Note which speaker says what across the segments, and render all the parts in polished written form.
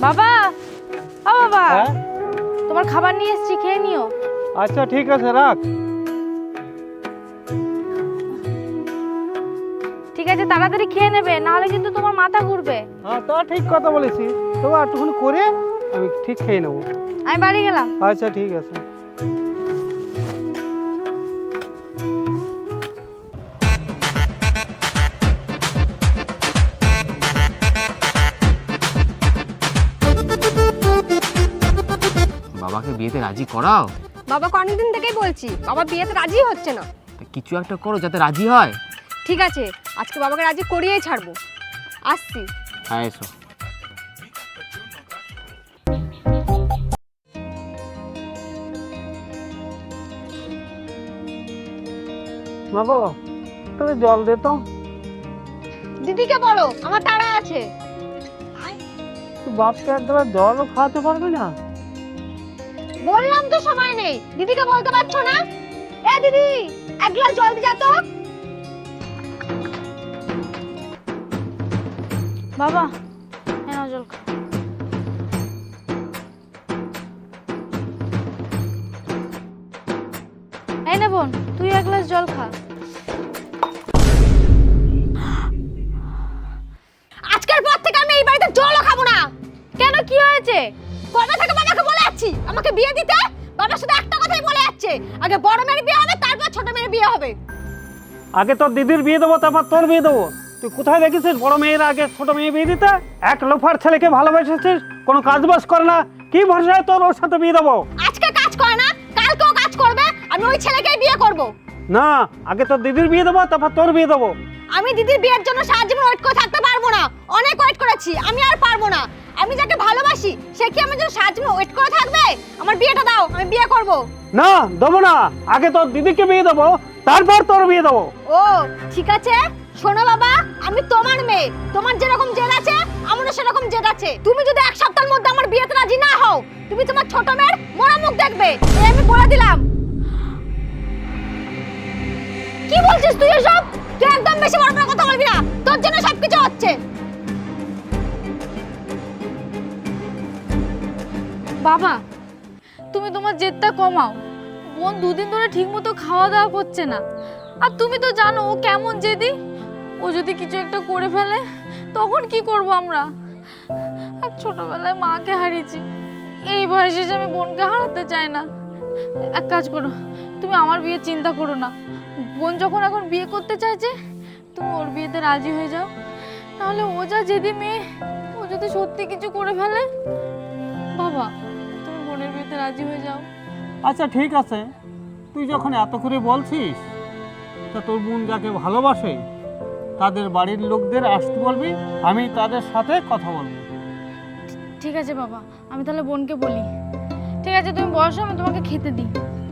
Speaker 1: বাবা, ও বাবা,
Speaker 2: হ্যাঁ?
Speaker 1: তোমার খাবার নিয়ে এসেছি, খেয়ে নিও।
Speaker 2: আচ্ছা ঠিক আছে, রাখ।
Speaker 1: ঠিক আছে, তাড়াতাড়ি খেয়ে নেবে, নাহলে কিন্তু তোমার মাথা ঘুরবে।
Speaker 2: হ্যাঁ, তা ঠিক কথা বলেছি। তবে একটুখানি করে আমি ঠিক খেয়ে নেবো।
Speaker 1: আমি বাড়ি গেলাম।
Speaker 2: আচ্ছা ঠিক আছে।
Speaker 3: বাবাকে বিয়েতে রাজি করাও।
Speaker 4: বাবাকে অনেকদিন থেকেই বলছি, বাবা বিয়েতে রাজি হচ্ছে না।
Speaker 3: কিছু একটা করো যাতে রাজি হয়।
Speaker 4: ঠিক আছে, আজকে বাবাকে রাজি করিয়েই ছাড়বো। আসছি।
Speaker 3: হ্যাঁ, এসো।
Speaker 2: মা বাবা, তবে জল দে তো।
Speaker 4: দিদিকে বলো আমার তাড়া আছে।
Speaker 2: বাপকে একবার জলও খাওয়াতে পারবে না?
Speaker 4: বললাম তো সময় নেই, দিদিকে বলতে পারছো না? এ দিদি, এক গ্লাস জল দিয়ে যা তো।
Speaker 1: বাবা, নাও জল খাও। এই নে বোন, তুই এক গ্লাস জল খা।
Speaker 4: আজকের পর থেকে আমি এই বাড়িতে জলও খাবো না।
Speaker 1: কেন, কি হয়েছে?
Speaker 4: কবে থেকে বাবাকে বলে যাচ্ছি আমাকে বিয়ে দিতে? বাবা শুধু একটা কথাই বলে যাচ্ছে, আগে বড় মেয়ের বিয়ে হবে, তারপর ছোট মেয়ের বিয়ে হবে।
Speaker 2: আগে তোর দিদির বিয়ে দেবো, তারপর তোর বিয়ে দেবো। তুই কোথায় দেখেছিস বড় মেয়ের আগে ছোট মেয়ে বিয়ে দিতে? এক লোফার ছেলেকে ভালোবেসেছিস, কোনো কাজ বাজ করে না, কি ভরসায় তোর ওর সাথে বিয়ে দেবো?
Speaker 4: আজকে কাজ করে না, কালকেও কাজ করবে, আমি ওই ছেলেকেই বিয়ে করব।
Speaker 2: না, আগে তোর দিদির বিয়ে দেবো, তারপর তোর বিয়ে দেবো।
Speaker 4: আমি দিদির বিয়ের জন্য সারা জীবন ওয়েট করে থাকতে পারবো না। অনেক ওয়েট করেছি, আমি আর পারবো না। আমি যাকে ভালোবাসি সে কি আমার জন্য সারা জীবন ওয়েট করে থাকবে? আমার বিয়েটা দাও, আমি বিয়ে করব।
Speaker 2: না, দেবো না। আগে তোর দিদিকে বিয়ে দেবো, তারপর তোর বিয়ে দেবো।
Speaker 4: ও ঠিক আছে, শোনো বাবা, আমি তোমার মেয়ে, তোমার যেরকম জেদ আছে আমারও সেরকম জেদ আছে। তুমি যদি এক সপ্তাহের মধ্যে আমার বিয়েতে রাজি না হও, তুমি তোমার ছোট মেয়ের মরা মুখ দেখবে, এই আমি বলে দিলাম। কি বলছিস তুই এসব? তুই একদম বেশি বড় বড় কথা বলবি না, তোর জন্য সবকিছু হচ্ছে।
Speaker 1: বাবা, তুমি তোমার জেদটা কমাও। বোন দুদিন ধরে ঠিকমতো খাওয়া দাওয়া করছে না, আর তুমি তো জানো ও কেমন জেদি। ও যদি কিছু একটা করে ফেলে তখন কি করব আমরা? আর ছোটবেলায় মাকে হারিয়েছি, এই বয়সে এসে আমি বোনকে হারাতে চাই না। এক কাজ করো, তুমি আমার বিয়ে চিন্তা করো না। বোন যখন এখন বিয়ে করতে চাইছে, তুমি ওর বিয়েতে রাজি হয়ে যাও। তাহলে ও যা জেদি মেয়ে, ও যদি সত্যি কিছু করে ফেলে, বাবা তুমি বোনের বিয়েতে রাজি হয়ে যাও।
Speaker 2: আচ্ছা ঠিক আছে, তুই যখন এত করে বলছিস, তা তোর বোন যাকে ভালোবাসে তাদের বাড়ির লোকদের আসতে বলবি, আমি তাদের সাথে কথা বলবো।
Speaker 1: ঠিক আছে বাবা, আমি তাহলে বোনকে বলি। ঠিক আছে, তুমি বসো, আমি তোমাকে খেতে দিই।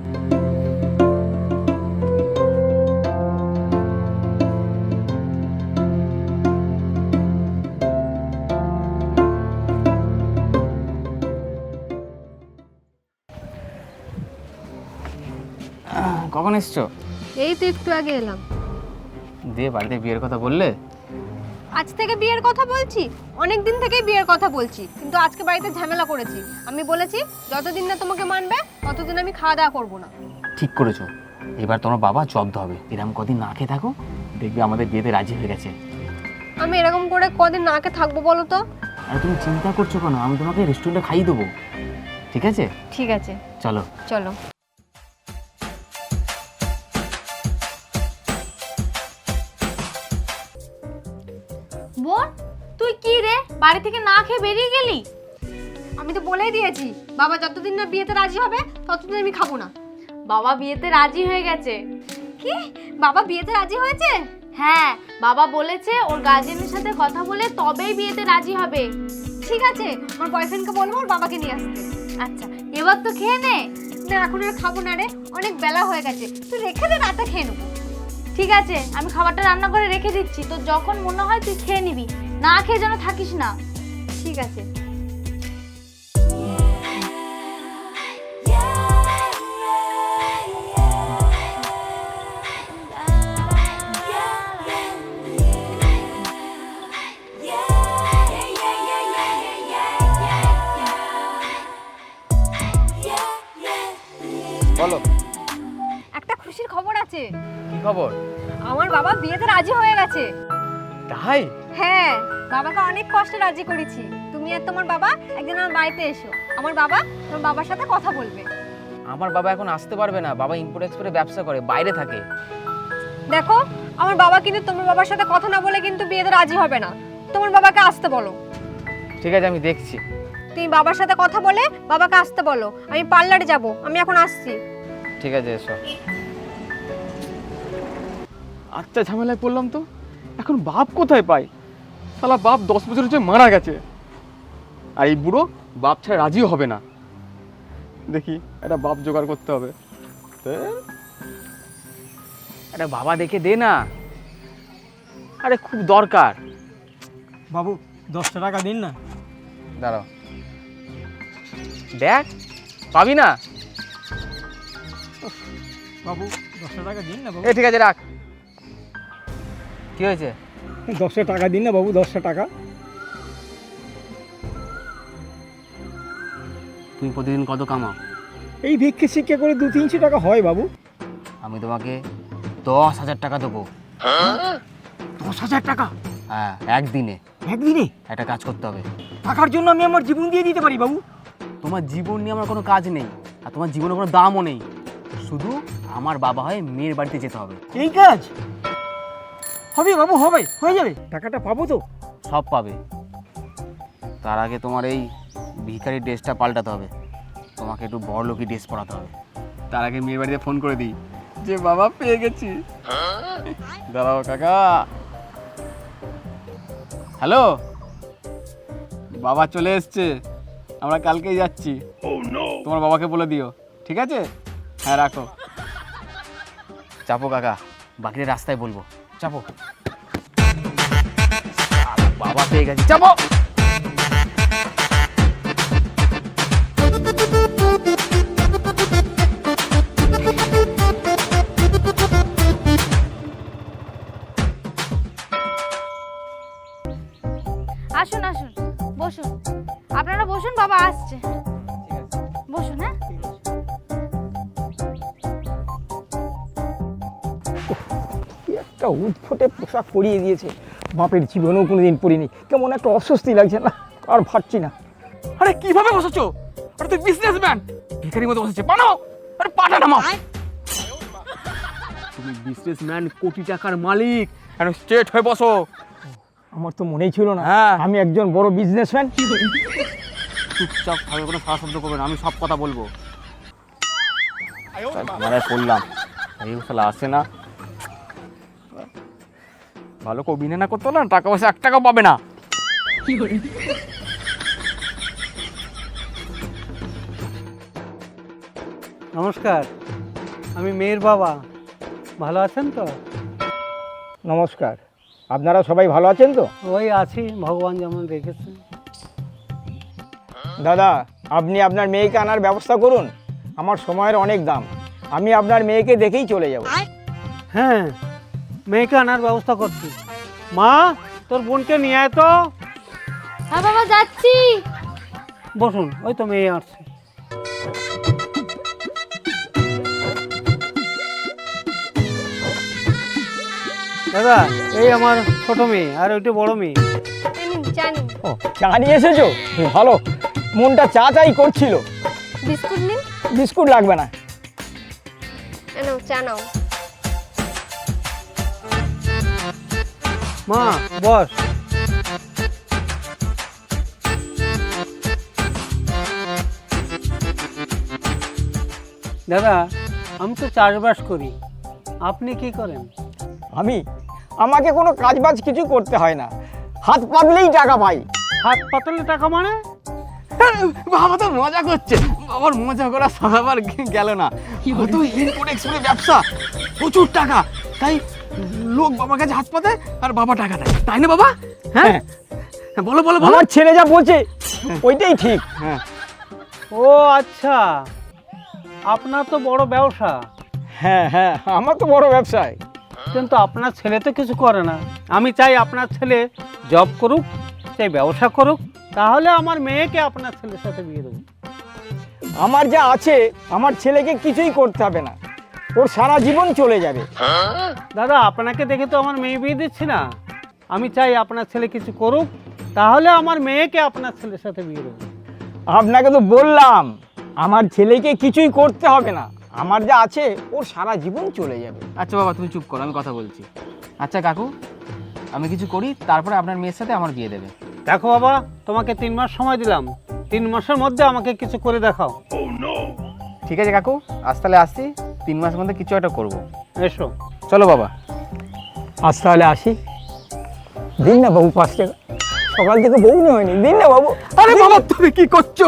Speaker 3: কখন এসছো?
Speaker 4: এই তো একটু আগে এলাম।
Speaker 3: দিয়ে বাড়িতে বিয়ের কথা বললে?
Speaker 4: আজ থেকে বিয়ের কথা বলছি, অনেক দিন থেকেই বিয়ের কথা বলছি, কিন্তু আজকে বাড়িতে ঝামেলা করেছি। আমি বলেছি যতদিন না তোমাকে মানবে ততদিন আমি খাওয়া দাওয়া করবো না।
Speaker 3: ঠিক করেছো, এবার তোমার বাবা জব্দ হবে। এরকম কদিন না খেয়ে থাকো, দেখবে আমাদের বিয়েতে রাজি হয়ে গেছে।
Speaker 4: আমি এরকম করে কদিন না খেয়ে থাকবো বলো তো?
Speaker 3: আর তুমি চিন্তা করছো কেন? আমি তোমাকে রেস্টুরেন্টে খাইয়ে দেবো, ঠিক আছে?
Speaker 4: ঠিক আছে,
Speaker 3: চলো
Speaker 4: চলো।
Speaker 1: বোন, তুই কি রে, বাড়ি থেকে না খেয়ে বেরিয়ে গেলি?
Speaker 4: আমি তো বলেই দিয়েছি, বাবা যতদিন না বিয়েতে রাজি হবে ততদিন আমি খাবো না।
Speaker 1: বাবা বিয়েতে রাজি হয়ে গেছে।
Speaker 4: কি? বাবা বিয়েতে রাজি হয়েছে?
Speaker 1: হ্যাঁ, বাবা বলেছে ওর গার্জেনের সাথে কথা বলে তবেই বিয়েতে রাজি হবে।
Speaker 4: ঠিক আছে, আমার বয়ফ্রেন্ডকে বলবো ওর বাবাকে নিয়ে আসতে।
Speaker 1: আচ্ছা, এবার তো খেয়ে নে।
Speaker 4: না, এখন আর খাবো না রে, অনেক বেলা হয়ে গেছে, তুই রেখে দে, রাতে খেয়ে নেবো।
Speaker 1: ঠিক আছে, আমি খাবারটা রান্না করে রেখে দিচ্ছি, তো যখন মনে হয় তুই খেয়ে নিবি, না খেয়ে যেন থাকিস না।
Speaker 4: ঠিক আছে।
Speaker 5: Yeah, yeah, yeah, yeah, yeah, yeah, yeah.
Speaker 4: গেছে।
Speaker 3: কি খবর?
Speaker 4: আমার বাবা বিয়েতে রাজি হয়ে গেছে।
Speaker 3: তাই?
Speaker 4: হ্যাঁ, বাবাকে অনেক কষ্টে রাজি করেছি। তুমি আর তোমার বাবা একদিন আমার বাড়িতে এসো। আমার বাবা তোমার বাবার সাথে কথা বলবে।
Speaker 3: আমার বাবা এখন আসতে পারবে না, বাবা ইম্পোর্ট এক্সপোর্টে ব্যবসা করে, বাইরে থাকে।
Speaker 4: দেখো, আমার বাবা কিন্তু তোমার বাবার সাথে কথা না বলে কিন্তু বিয়েতে রাজি হবে না। তোমার বাবাকে আসতে বলো।
Speaker 3: ঠিক আছে, আমি দেখছি।
Speaker 4: তুমি বাবার সাথে কথা বলে বাবাকে আসতে বলো। আমি পার্লারে যাব, আমি এখন আসছি।
Speaker 3: ঠিক আছে, এসো। আচ্ছা, ঝামেলায় পড়লাম তো। এখন বাপ কোথায় পাই? শালা বাপ 10 বছর হচ্ছে মারা গেছে, আর এই বুড়ো বাপ ছাড়া রাজিও হবে না। দেখি একটা বাপ জোগাড় করতে হবে। একটা বাবা দেখে দে না, আরে খুব দরকার।
Speaker 2: বাবু 10 টাকা দিন না।
Speaker 3: দাঁড়াও, দেখ পাবি না।
Speaker 2: বাবু 10 টাকা দিন না বাবু।
Speaker 3: ঠিক আছে, রাখ। কি হয়েছে?
Speaker 2: 10 টাকা দিন না বাবু, 10 টাকা।
Speaker 3: তুমি প্রতিদিন কত কামাও?
Speaker 2: এই ভিক্ষে শিক্ষা করে 200-300 টাকা হয় বাবু।
Speaker 3: আমি তোমাকে 10,000 টাকা দেবো।
Speaker 2: 10,000 টাকা
Speaker 3: হ্যাঁ, একদিনে।
Speaker 2: একদিনে?
Speaker 3: একটা কাজ করতে হবে।
Speaker 2: টাকার জন্য আমি আমার জীবন দিয়ে দিতে পারি বাবু।
Speaker 3: তোমার জীবন নিয়ে আমার কোনো কাজ নেই, আর তোমার জীবনে কোনো দামও নেই। শুধু আমার বাবা হয়ে মেয়ের বাড়িতে যেতে হবে।
Speaker 2: এই কাজ হবে বাবু, হবে, হয়ে যাবে। টাকাটা পাবো তো?
Speaker 3: সব পাবে। তার আগে তোমার এই ভিখারি ড্রেসটা পাল্টাতে হবে, তোমাকে একটু বড়লোকি ড্রেস পরাতে হবে। তার আগে মেয়ের বাড়িতে ফোন করে দিই যে বাবা পেয়ে গেছি। দাঁড়াও কাকা। হ্যালো, বাবা চলে এসছে, আমরা কালকেই যাচ্ছি। তোমার বাবাকে বলে দিও, ঠিক আছে? হ্যাঁ, রাখো। চাপো কাকা, বাকিটা রাস্তায় বলবো। চাপো। বাবা পেয়ে গেছি, চাপো।
Speaker 1: আসুন আসুন, বসুন। আপনারা বসুন, বাবা আসছে। বসুন। হ্যাঁ,
Speaker 5: একটা উৎফুটে পোশাক পরিয়ে দিয়েছে, বাপের জীবনেও কোনোদিন পরিনি। কেমন একটা অস্বস্তি লাগছে না, আর ভাবছি না।
Speaker 3: আরে কিভাবে বসেছো? আরে তুই বিজনেসম্যান, ভিখারির মতো বসেছে। বানাও, আরে পাটা নামাও। তুমি বিজনেসম্যান, কোটি টাকার মালিক, এখন স্ট্রেট হয়ে বসো।
Speaker 5: আমার তো মনেই ছিল না
Speaker 3: হ্যাঁ।
Speaker 5: আমি একজন বড় বিজনেসম্যান।
Speaker 3: চুপচাপ ভাবে কোনো সারা শব্দ করবে না, আমি সব কথা বলবো। মারায় পড়লাম, এই শালা আসে না। ভালো করে অভিনয় না করতে হলে না, টাকা পয়সা 1 টাকাও পাবে না।
Speaker 2: নমস্কার, আমি মেয়ের বাবা। ভালো আছেন তো?
Speaker 5: নমস্কার, আপনারা সবাই ভালো আছেন তো?
Speaker 2: ওই আছি, ভগবান যেমন রেখেছে।
Speaker 5: দাদা, আপনি আপনার মেয়েকে আনার ব্যবস্থা করুন। আমার সময়ের অনেক দাম, আমি আপনার মেয়েকে দেখেই চলে যাব।
Speaker 2: হ্যাঁ, মেয়েকে আনার ব্যবস্থা করছি। মা, তোর বোনকে নিয়ে আয় তো।
Speaker 1: হ্যাঁ বাবা, যাচ্ছি।
Speaker 2: বসুন, ওই তো মেয়ে আসছে। দাদা, এই আমার ছোট মেয়ে, আর ওইটা বড় মেয়ে।
Speaker 4: জানি।
Speaker 5: ও, চা নিয়ে এসেছো? ভালো, মনটা চা চাই করছিল।
Speaker 4: বিস্কুট নিন।
Speaker 5: বিস্কুট লাগবে না।
Speaker 4: নাও, চা নাও।
Speaker 2: মা, বস। দাদা, আমি তো চাষবাস করি, আপনি কি করেন?
Speaker 5: আমাকে কোনো কাজবাজ কিছু করতে হয় না, হাত পাতলেই টাকা পাই।
Speaker 2: হাত পাতলে টাকা মানে?
Speaker 3: বাবা তো মজা করছে, বাবার মজা করা সারাবার গেল না। কত ইম্পোর্ট এক্সপোর্টের ব্যবসা, প্রচুর টাকা, তাই লোক বাবার কাছে হাত পাতে আর বাবা টাকা দেয়, তাই না বাবা? হ্যাঁ, বলো বলো বলো।
Speaker 5: আমার ছেলে যা বলছে ওইটাই ঠিক।
Speaker 3: হ্যাঁ।
Speaker 2: ও আচ্ছা, আপনার তো বড় ব্যবসা।
Speaker 5: হ্যাঁ হ্যাঁ, আমার তো বড় ব্যবসায়।
Speaker 2: কিন্তু আপনার ছেলে তো কিছু করে না। আমি চাই আপনার ছেলে জব করুক, চাই ব্যবসা করুক, তাহলে আমার মেয়েকে আপনার ছেলের সাথে বিয়ে দেবো।
Speaker 5: আমার যা আছে, আমার ছেলেকে কিছুই করতে হবে না। ওর সারা জীবন চলে যাবে।
Speaker 2: দাদা আপনাকে দেখে তো আমার মেয়ে বিয়ে দিচ্ছি না, আমি চাই আপনার ছেলে কিছু করুক, তাহলে আমার মেয়েকে আপনার ছেলের সাথে বিয়ে দেবো।
Speaker 5: আপনাকে তো বললাম আমার ছেলেকে কিছুই করতে হবে না, আমার যা আছে ওর সারা জীবন চলে যাবে।
Speaker 3: আচ্ছা বাবা তুমি চুপ করো, আমি কথা বলছি। আচ্ছা কাকু, আমি কিছু করি, তারপরে আপনার মেয়ের সাথে আমার বিয়ে দেবে।
Speaker 2: দেখো বাবা, তোমাকে 3 মাস সময় দিলাম, 3 মাসের মধ্যে আমাকে কিছু করে দেখাও।
Speaker 3: ঠিক আছে কাকু, আজ তাহলে আসছি, 3 মাসের মধ্যে কিছু একটা করবো।
Speaker 2: এসো।
Speaker 3: চলো বাবা।
Speaker 5: আজ তাহলে আসি। দিন না বাবু 5 টাকা, সকাল থেকে বউ নিয়ে হয়নি, দিন না বাবু।
Speaker 3: আরে বাবা তুমি কি করছো?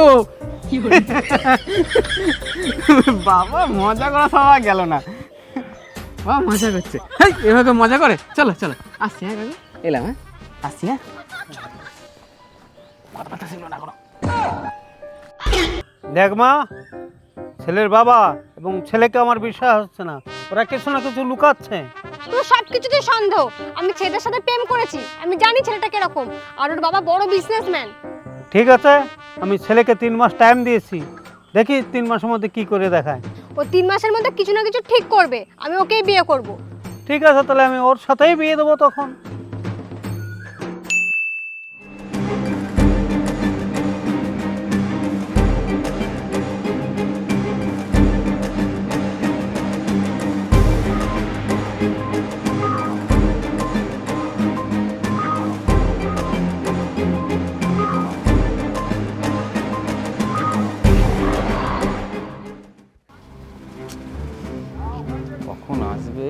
Speaker 3: বাবা মজা করা সবাই গেল না, বাবা মজা করছে। হেই, এভাবে মজা করে? চলো চলো, আসছি। হ্যাঁ কাকু, এলাম। হ্যাঁ আসছি। হ্যাঁ কথা ছিল না কোনো।
Speaker 2: দেখ মা, ছেলের বাবা এবং ছেলেকে আমার বিশ্বাস হচ্ছে না, ওরা কিছু না কিছু লুকাচ্ছে।
Speaker 4: তোর সব কিছুতে সন্দেহ। আমি ছেলেটার সাথে প্রেম করেছি, আমি জানি ছেলেটা কিরকম, আর ওর বাবা বড় বিজনেসম্যান।
Speaker 2: ঠিক আছে, আমি ছেলেকে 3 মাস টাইম দিয়েছি, দেখি 3 মাসের মধ্যে কি করে দেখায়।
Speaker 4: ও 3 মাসের মধ্যে কিছু না কিছু ঠিক করবে, আমি ওকেই বিয়ে করব।
Speaker 2: ঠিক আছে, তাহলে আমি ওর সাথেই বিয়ে দেবো তখন।
Speaker 3: কখন আসবে?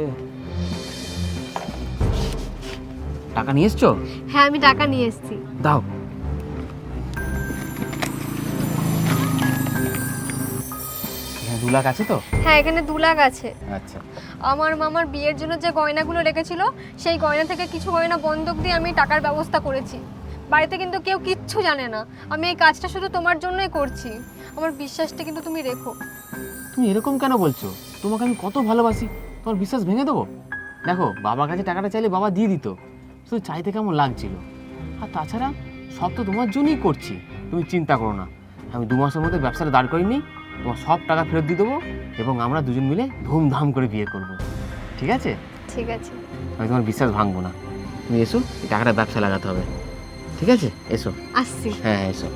Speaker 3: টাকা নিয়ে এসছো?
Speaker 4: হ্যাঁ আমি টাকা নিয়ে এসেছি।
Speaker 3: দাও। এখানে 2 লাখ আছে তো?
Speaker 4: হ্যাঁ এখানে 2 লাখ আছে।
Speaker 3: আচ্ছা।
Speaker 4: আমার মামার বিয়ের জন্য যে গয়নাগুলো রেখেছিল সেই গয়না থেকে কিছু গয়না বন্ধক দিয়ে আমি টাকার ব্যবস্থা করেছি। বাড়িতে কিন্তু কেউ কিচ্ছু জানে না, আমি এই কাজটা শুধু তোমার জন্যই করছি। আমার বিশ্বাসটা কিন্তু তুমি রেখো।
Speaker 3: তুমি এরকম কেন বলছো? তোমাকে আমি কত ভালোবাসি, তোমার বিশ্বাস ভেঙে দেবো? দেখো বাবার কাছে টাকাটা চাইলে বাবা দিয়ে দিত, শুধু চাইতে কেমন লাগছিল। আর তাছাড়া সব তো তোমার জন্যই করছি, তুমি চিন্তা করো না। আমি 2 মাসের মধ্যে ব্যবসাটা দাঁড় করিনি, তোমার সব টাকা ফেরত দিয়ে দেবো এবং আমরা দুজন মিলে ধুমধাম করে বিয়ে করব। ঠিক আছে?
Speaker 4: ঠিক আছে।
Speaker 3: আমি তোমার বিশ্বাস ভাঙবো না। তুমি এসো, এই টাকাটা ব্যবসা লাগাতে হবে। ঠিক আছে? এসো।
Speaker 4: আসছি।
Speaker 3: হ্যাঁ এসো।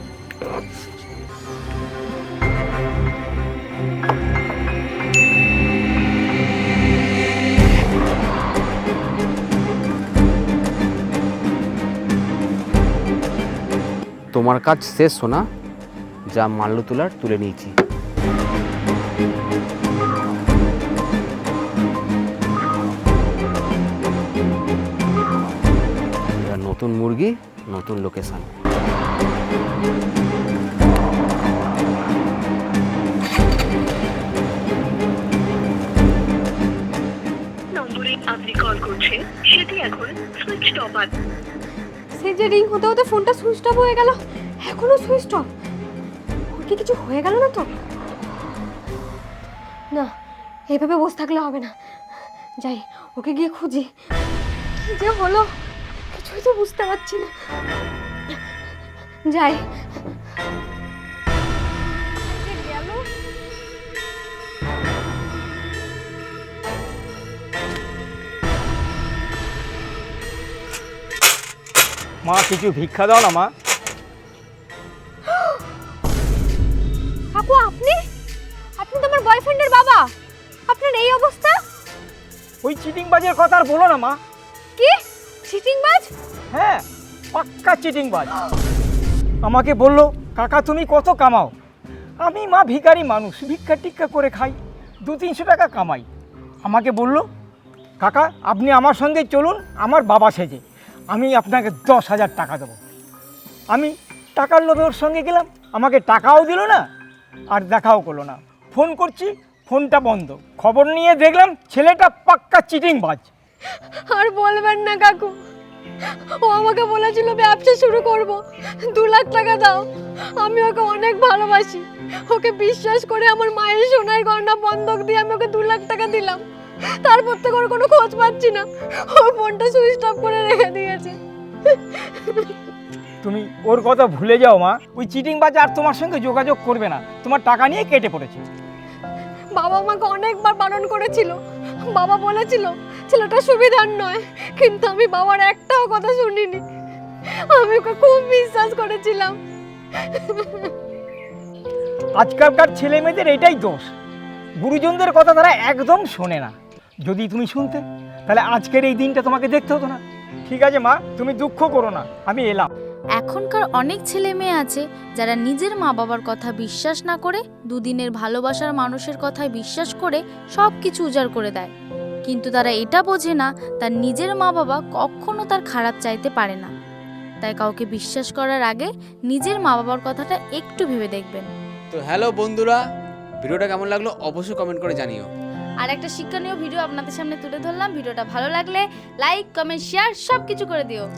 Speaker 3: তোমার কাজ শেষ সোনা, যা মাল্য তোলার তুলে নিয়েছি। এবার নতুন মুরগি, নতুন লোকেশন।
Speaker 6: নম্বরে আপনি কল করছেন সেটি এখন সুইচ অফ আছে।
Speaker 4: সেই যে রিং হতে হতে ফোনটা সুইচ অফ হয়ে গেল, এখনো সুইচ অফ। ওর কি কিছু হয়ে গেল না তো? না, এইভাবে বসে থাকলে হবে না, যাই ওকে গিয়ে খুঁজি। কি যে হলো কিছুই তো বুঝতে পারছি না। যাই। গেল।
Speaker 5: মা কিছু ভিক্ষা দাও না মা।
Speaker 4: কাকু আপনি আপনি তো আমার বয়ফ্রেন্ডের বাবা, আপনার এই অবস্থা?
Speaker 5: ওই চিটিংবাজের কথা আর বলো না মা।
Speaker 4: কি চিটিংবাজ?
Speaker 5: হ্যাঁ পাক্কা চিটিংবাজ। আমাকে বললো কাকা তুমি কত কামাও। আমি মা ভিখারি মানুষ, ভিক্ষা টিক্ষা করে খাই, 200-300 টাকা কামাই। আমাকে বললো কাকা আপনি আমার সঙ্গে চলুন আমার বাবা সেজে, আমি আপনাকে 10,000 টাকা দেবো। আমি টাকার লোভে ওর সঙ্গে গেলাম, আমাকে টাকাও দিল না আর দেখাও করলো না। ফোন করছি ফোনটা বন্ধ, খবর নিয়ে দেখলাম ছেলেটা পাক্কা চিটিংবাজ।
Speaker 4: আর বলবেন না কাকু, ও আমাকে বলেছিল ব্যবসা শুরু করব, 2 লাখ টাকা দাও। আমি ওকে অনেক ভালোবাসি, ওকে বিশ্বাস করে আমার মায়ের সোনার গয়না বন্ধক দিয়ে আমি ওকে 2 লাখ টাকা দিলাম। তারপর থেকে ওর কোনো খোঁজ পাচ্ছি না, ও ফোনটা সুইচ অফ করে রেখে দিয়েছে।
Speaker 5: তুমি ওর কথা ভুলে যাও মা, ওই চিটিংবাজ আর তোমার সঙ্গে যোগাযোগ করবে না, তোমার টাকা নিয়ে কেটে পড়েছে।
Speaker 4: বাবা আমাকে অনেকবার বারণ করেছিল, বাবা বলেছিল ছেলেটা সুবিধার নয়, কিন্তু আমি বাবার একটাও কথা শুনিনি। আমি ওকে খুব বিশ্বাস করেছিলাম।
Speaker 5: আজকালকার ছেলে মেয়েদের এটাই দোষ, গুরুজনদের কথা তারা একদম শোনে না। যদি তুমি শুনতে তাহলে আজকের এই দিনটা তোমাকে দেখতে হতো না। ঠিক আছে মা, তুমি দুঃখ করো না, আমি এলাম।
Speaker 1: এখনকার অনেক ছেলে মেয়ে আছে যারা নিজের মা বাবার কথা বিশ্বাস না করে দুদিনের ভালোবাসার মানুষের কথায় বিশ্বাস করে সব কিছু উজাড় করে দেয়, কিন্তু তারা এটা বোঝে না তার নিজের মা বাবা কখনো তার খারাপ চাইতে পারে না। তাই কাউকে বিশ্বাস করার আগে নিজের মা বাবার কথাটা একটু ভেবে দেখবেন।
Speaker 7: তো হ্যালো বন্ধুরা, ভিডিওটা কেমন লাগলো অবশ্যই কমেন্ট করে জানিও।
Speaker 1: আর একটা শিক্ষণীয় ভিডিও আপনাদের সামনে তুলে ধরলাম। ভিডিওটা ভালো লাগলে লাইক, কমেন্ট, শেয়ার সব কিছু করে দিও।